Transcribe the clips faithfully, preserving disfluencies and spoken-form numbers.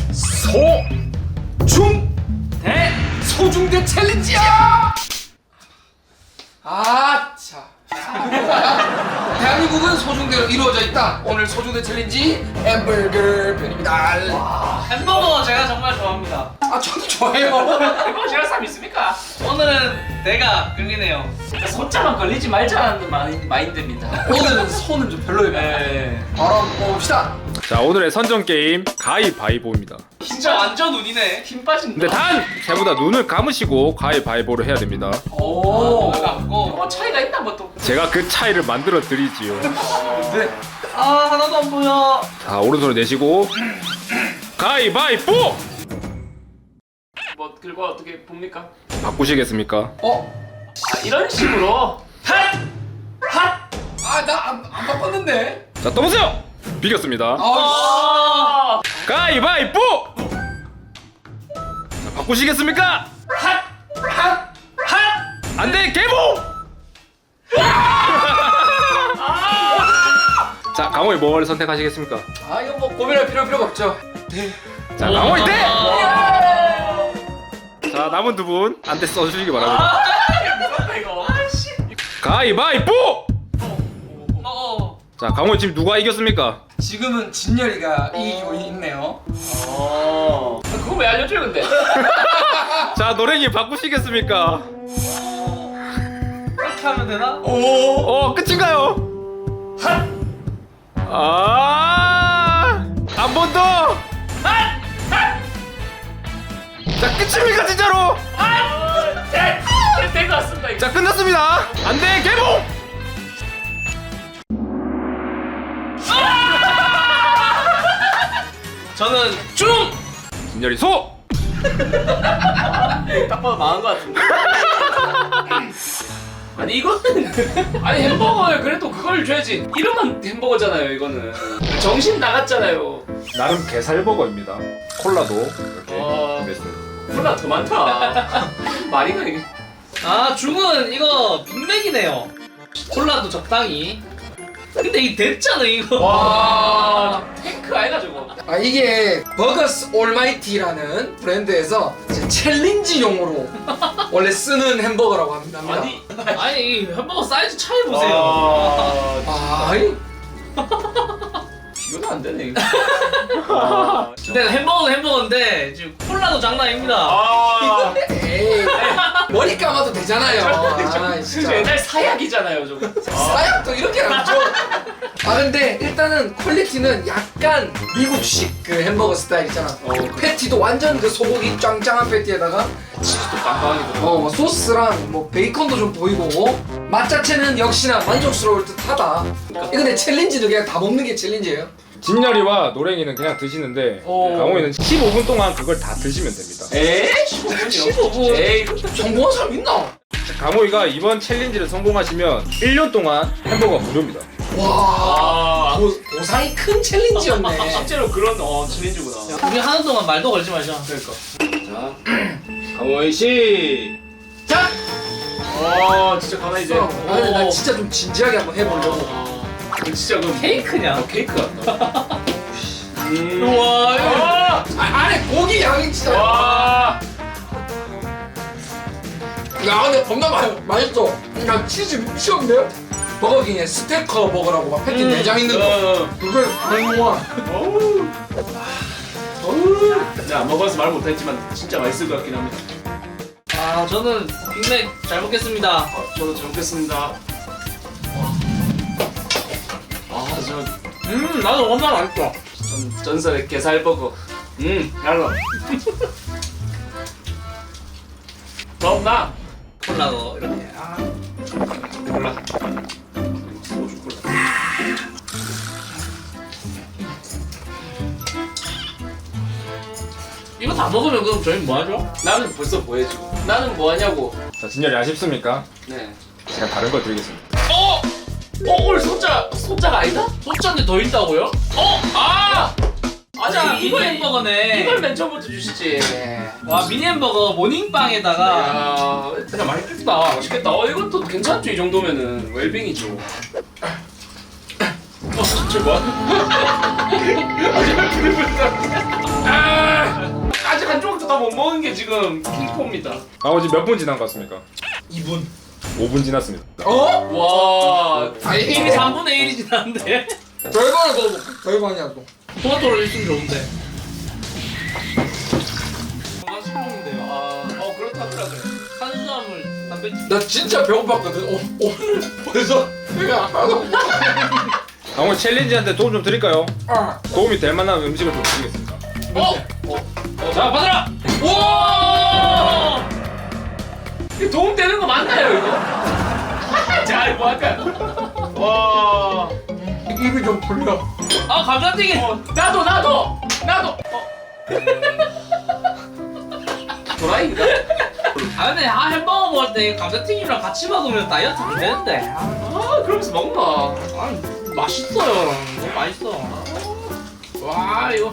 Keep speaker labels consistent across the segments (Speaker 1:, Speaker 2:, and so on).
Speaker 1: 소중대 소중대 챌린지야. 아, 자. 대한민국은 소중대로 이루어져 있다. 오늘 소중대 챌린지 햄버거 편입니다.
Speaker 2: 와, 햄버거 제가 정말 좋아합니다.
Speaker 1: 아, 저도 좋아해요.
Speaker 2: 햄버거 싫어하는 사람 있습니까? 오늘은 내가 끌리네요. 손자만 걸리지 말자는 마인, 마인드입니다.
Speaker 1: 오늘은 손은 좀 별로예요.
Speaker 2: 네.
Speaker 1: 바로 한번 봅시다.
Speaker 3: 자, 오늘의 선정 게임 가위바위보입니다.
Speaker 2: 진짜 완전 운이네. 힘 빠진다.
Speaker 3: 근데 단 제보다 눈을 감으시고 가위바위보를 해야 됩니다.
Speaker 2: 오, 갖고 뭐 차이가 있나 뭐 또.
Speaker 3: 제가 그 차이를 만들어 드리지요.
Speaker 1: 네.
Speaker 2: 아, 하나도 안 보여.
Speaker 3: 자, 오른손을 내시고 가위바위보!
Speaker 2: 뭐 그리고 어떻게 봅니까?
Speaker 3: 바꾸시겠습니까?
Speaker 1: 어?
Speaker 2: 아, 이런 식으로 핫! 핫!
Speaker 1: 아, 나 안 안 바꿨는데.
Speaker 3: 자, 떠보세요! 비겼습니다.
Speaker 1: 아,
Speaker 2: 아,
Speaker 3: 가위바위보! 자, 바꾸시겠습니까?
Speaker 2: 핫!
Speaker 1: 핫!
Speaker 2: 핫!
Speaker 3: 안돼, 개봉! 자, 강호이 뭘 선택하시겠습니까?
Speaker 1: 아, 이거 뭐 고민할 필요 필요가 없죠. 네.
Speaker 3: 자, 강호이 대!
Speaker 2: 아,
Speaker 3: 자, 남은 두 분 안대 써주시기 바랍니다.
Speaker 2: 무섭다 이거. 아씨.
Speaker 3: 가위바위보!
Speaker 2: 어.
Speaker 3: 자, 강호이 지금 누가 이겼습니까?
Speaker 1: 지금은 진열이가 이기고 있네요.
Speaker 2: 어. 그거 왜 알려줘요 근데?
Speaker 3: 자, 노랭이 바꾸시겠습니까?
Speaker 2: 그렇게 하면 되나?
Speaker 1: 오.
Speaker 3: 어, 끝인가요?
Speaker 2: 핫!
Speaker 3: 아, 한 번 더!
Speaker 2: 핫! 핫!
Speaker 3: 자, 끝입니까, 진짜로?
Speaker 2: 핫! 네, 될것 같습니다. 이거.
Speaker 3: 자, 끝났습니다. 안돼, 개봉!
Speaker 2: 저는 중!
Speaker 3: 진열이 소!
Speaker 2: 딱 봐도 망한 것 같은데. 아니 이거는 아니 햄버거에 그래도 그걸 줘야지. 이름은 햄버거잖아요 이거는. 정신 나갔잖아요.
Speaker 3: 나름 게살버거입니다. 콜라도 이렇게
Speaker 2: 어.
Speaker 3: 준비했습니다.
Speaker 2: 콜라 더 많다. 말이가 이게. 아 중은 이거 빅맥이네요. 콜라도 적당히. 근데 이 됐잖아 이거. 와 탱크 아이가 저거.
Speaker 1: 아, 이게 버거스 올마이티라는 브랜드에서 이제 챌린지용으로 원래 쓰는 햄버거라고 합니다.
Speaker 2: 아니 아니 이 햄버거 사이즈 차이 보세요.
Speaker 1: 아, 이
Speaker 2: 비교가 안 되네 이거. 아, 근데 햄버거는 햄버거인데 지금 콜라도 장난 아닙니다. 아,
Speaker 1: 에이, 머리 감아도 되잖아요. 아, 진짜.
Speaker 2: 옛날 사약이잖아요 저거.
Speaker 1: 사약도 이렇게 나죠. 아, 근데 일단은 퀄리티는 약간 미국식 그 햄버거 스타일 있잖아.
Speaker 2: 어, 그-
Speaker 1: 패티도 완전 그 소고기 짱짱한 패티에다가
Speaker 2: 치즈도 빵빵하게 들어.
Speaker 1: 어, 뭐 소스랑 뭐 베이컨도 좀 보이고 맛 자체는 역시나 만족스러울 듯하다. 이거 근데 챌린지도 그냥 다 먹는 게 챌린지예요.
Speaker 3: 진열이와 노랭이는 그냥 드시는데
Speaker 2: 오.
Speaker 3: 강호이는 십오 분 동안 그걸 다 드시면 됩니다.
Speaker 2: 에이 십오 분이요? 십오 분. 에이 그것도
Speaker 1: 성공한 사람 있나?
Speaker 3: 자, 강호이가 이번 챌린지를 성공하시면 일 년 동안 햄버거 무료입니다.
Speaker 1: 와,
Speaker 2: 아,
Speaker 1: 고, 고상이 큰 챌린지였네.
Speaker 2: 실제로 그런 어 챌린지구나. 우리 하는 동안 말도 걸지 마자. 그러니까. 자, 강호이 씨. 자. 어 진짜 가만히 이제.
Speaker 1: 아, 근데 나 진짜 좀 진지하게 한번 해보려고.
Speaker 2: 어, 진짜 그 케이크냐? 어, 케이크 같다. 음. 우와.
Speaker 1: 아, 안에 고기 양이 진짜.
Speaker 2: 와.
Speaker 1: 야, 근데 겁나 맛, 맛있어. 야, 치즈 미쳤는데? 버거킹에 스테커 버거라고 막 패티 내장 있는 거.
Speaker 2: 어.
Speaker 1: 그걸 먹어.
Speaker 2: 어우. 어우. 내가 안 먹어서 말 못했지만 진짜 맛있을 것 같긴 합니다. 아 저는 빅맥 잘 먹겠습니다. 어, 저도 잘 먹겠습니다. 아저 음 나도 엄청 맛있어. 전 전설의 게살버거. 음 달라. 더 없나? 콜라도 이렇게. 아. 콜라. 소주 콜라. 이거 다 먹으면 그럼 저희 뭐 하죠? 나는 벌써 뭐 해줘? 나는 뭐 하냐고.
Speaker 3: 자, 진열이 아쉽습니까?
Speaker 2: 네.
Speaker 3: 제가 다른 걸 드리겠습니다.
Speaker 2: 어? 어 오늘 소자 소자가 아니다? 소자인데 더 있다고요? 어? 아! 맞아 이거 햄버거네. 이걸 맨 처음부터 주시지. 와 미니 햄버거 모닝빵에다가. 야 그냥 맛있겠다. 맛있겠다. 어 이것도 괜찮죠 이 정도면은 웰빙이죠. 어 진짜 뭐? 아직 그립을 아! 다 못 먹은 게 지금 킹포입니다.
Speaker 3: 나머지 몇 분 지난 것 같습니까?
Speaker 1: 이 분.
Speaker 3: 오 분 지났습니다.
Speaker 1: 어?
Speaker 2: 와,
Speaker 1: 아니
Speaker 2: 이미 삼분의 일이 지났는데.
Speaker 1: 별거나 더 먹어. 별거냐 또.
Speaker 2: 토마토를 있으면 좋은데. 건강식품인데요. 아, 어 그렇다더라고요. 탄수화물, 단백질.
Speaker 1: 나 진짜 배고팠거든. 어, 오늘 벌써 배가 하나도 못
Speaker 3: 오늘 챌린지한테 도움 좀 드릴까요?
Speaker 1: 아.
Speaker 3: 도움이 될 만한 음식을 좀 드리겠습니다.
Speaker 2: 어? 어? 어? 자, 받아라! 오! 이거 도움 되는 거 맞나요, 이거? 자, 이거 할까요? 와.
Speaker 1: 입이 좀 풀려.
Speaker 2: 아, 감자튀김! 어, 나도, 나도! 나도! 어. 도라이인가? 아, 근데 아, 햄버거 먹을 때 감자튀김이랑 같이 먹으면 다이어트 안 되는데. 아, 그러면서 먹나? 아, 맛있어요. 너무 맛있어. 와, 이거.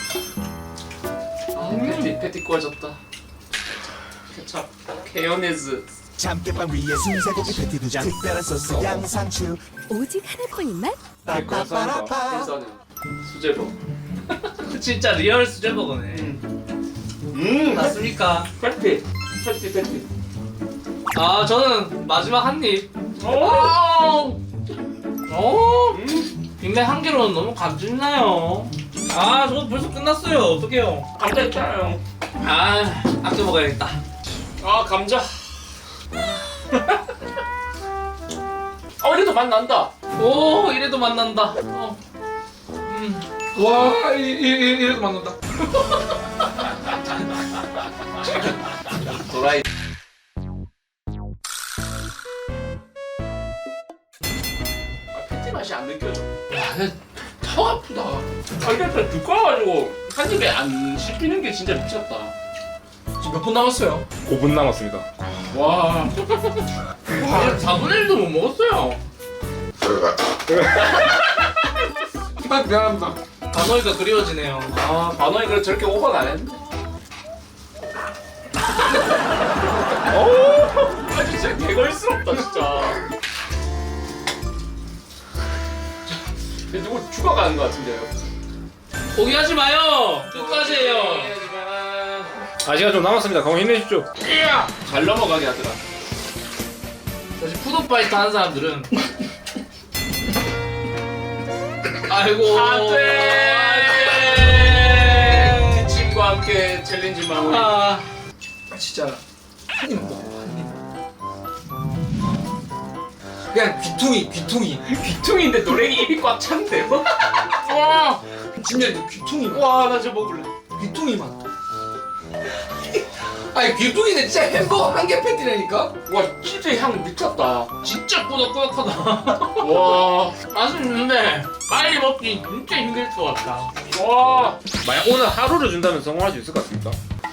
Speaker 2: 아, 패티, 패티 구워졌다. 케찹, 케요네즈.
Speaker 4: 참깨빵 위에 순세고기 패티 두 장, 특별한 소스 양상추.
Speaker 5: 오직 하나뿐인 맛?
Speaker 4: 빠빠빠라빠.
Speaker 2: 일선은 수제버. 진짜 리얼 수제버거네. 음, 맞습니까? 패티, 패티, 패티. 아, 저는 마지막 한 입. 오, 오, 음. 빅맥 한 개로는 너무 감질나요. 아, 저거 벌써 끝났어요. 어떡해요? 감자 있잖아요. 아, 아껴 먹어야겠다. 아, 감자. 어, 이래도 맛 난다. 오, 이래도 맛 난다. 어. 음.
Speaker 1: 와, 이, 이, 이, 이래도 맞는다.
Speaker 2: 도라이. 아, 패티 맛이 안 느껴져.
Speaker 1: 야, 턱 아프다.
Speaker 2: 아, 이게 좀 두꺼워가지고 한 입에 안 씹히는 게 진짜 미쳤다.
Speaker 1: 지금 몇 분 남았어요?
Speaker 3: 오 분 남았습니다.
Speaker 2: 와. 와, 사분의 일도 못 먹었어요.
Speaker 1: 아, 미안합니다.
Speaker 2: 반어이가 그리워지네요. 아, 반어이가 저렇게 오버는 안 했는데. 오, 아 진짜 개걸스럽다 진짜. 누구 죽어가는 것 같은데요? 포기하지 마요. 끝까지 해요.
Speaker 3: 아 시간 좀 남았습니다. 강호 힘내십시오.
Speaker 2: 잘 넘어가게 하더라. 사실 푸드파이트 하는 사람들은 아이고 안돼 안돼 기침과 함께 챌린지 마무리. 아,
Speaker 1: 진짜 한 입 먹어. 한 입. 그냥 귀퉁이, 귀퉁이.
Speaker 2: 귀퉁이인데 노랭이 입이 꽉 찬데 뭐? 와,
Speaker 1: 진짜 귀퉁이만.
Speaker 2: 와, 나 저거 먹을래.
Speaker 1: 귀퉁이만. 아니 귀퉁이는 진짜 햄버거 한 개 패티라니까?
Speaker 2: 와, 치즈 향 미쳤다. 진짜 꾸덕꾸덕하다. 와, 맛은 있는데 빨리 먹기 진짜 힘들 것 같다. 와,
Speaker 3: 만약 오늘 하루를 준다면 성공할 수 있을 것 같습니까?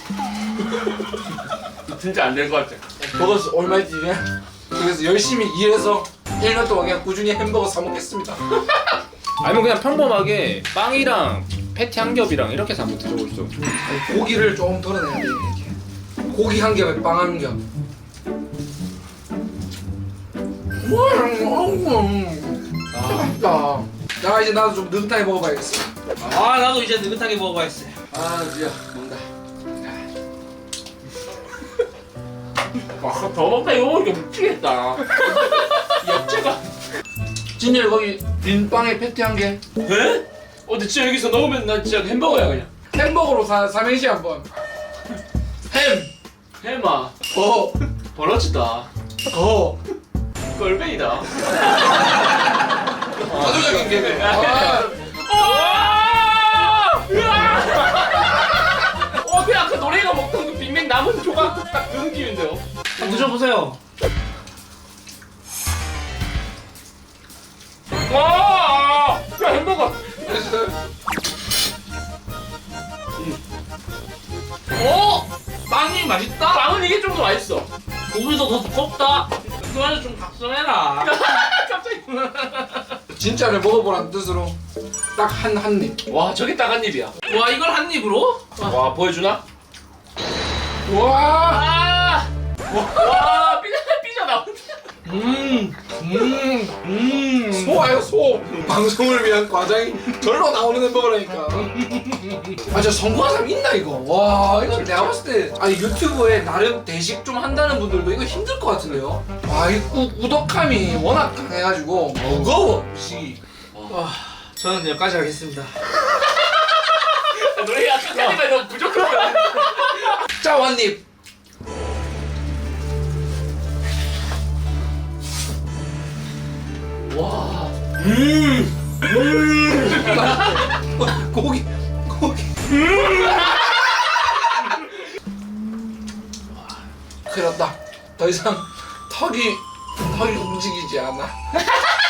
Speaker 2: 진짜 안 될 것 같아.
Speaker 1: 버거 얼마지? 그래서 열심히 일해서 일 년 동안 그냥 꾸준히 햄버거 사 먹겠습니다.
Speaker 3: 아니면 그냥 평범하게 빵이랑 패티 한 겹이랑 이렇게 해서 한번 드셔보시죠.
Speaker 1: 아니, 고기를 조금 덜어내야 돼 이렇게. 고기 한 겹에 빵 한 겹. 아, 맛있다. 야 이제 나도 좀 느긋하게 먹어봐야겠어.
Speaker 2: 아, 나도 이제 느긋하게 먹어봐야겠어.
Speaker 1: 아 진짜 먹는다.
Speaker 2: 와, 더 먹다 이거 먹으니까 미치겠다. 엽채가.
Speaker 1: 진열 거기 빈 빵에 패티 한 개.
Speaker 2: 에? 어, 근데 진짜 여기서 넣으면 나 진짜 햄버거야 그냥.
Speaker 1: 햄버거로 사 삼행시 한번. 햄.
Speaker 2: 해마.
Speaker 1: 버.
Speaker 2: 벌어지다.
Speaker 1: 거.
Speaker 2: 꼴뱅이다.
Speaker 1: 자주적인 개그. 아,
Speaker 2: 어, 그 아까 노래가 먹던 그 빅맥 남은 조각 딱 그 느낌인데요. 한번 드셔보세요. 와, 야 햄버거. 오, 빵이 맛있다. 빵은 이게 좀 더 맛있어. 고기도 더 두껍다. 그만해 좀 각성해라. 갑자기.
Speaker 1: 진짜를 먹어보라는 뜻으로 딱 한 한 입.
Speaker 2: 와, 저게 딱 한 입이야. 와, 이걸 한 입으로? 와, 보여주나?
Speaker 1: 와.
Speaker 2: 아, 와, 삐져 삐져 나온다. 음,
Speaker 1: 음,
Speaker 2: 음.
Speaker 1: 소아요 소. 방송을 위한 과장이 절로 나오는 햄버거라니까. 아, 저 성공한 사람 있나 이거? 와, 이거 내가 봤을 때 아니 유튜브에 나름 대식 좀 한다는 분들도 이거 힘들 것 같은데요? 와, 이 우, 우덕함이 워낙 강해가지고 무거워 음식이.
Speaker 2: 와, 저는 여기까지 하겠습니다. 노래 아까까지만 너무 부족하다.
Speaker 1: 자, 원님.
Speaker 2: 와.
Speaker 1: 고기, 고기. 큰일 났다. 더 이상 턱이 턱이 움직이지 않아.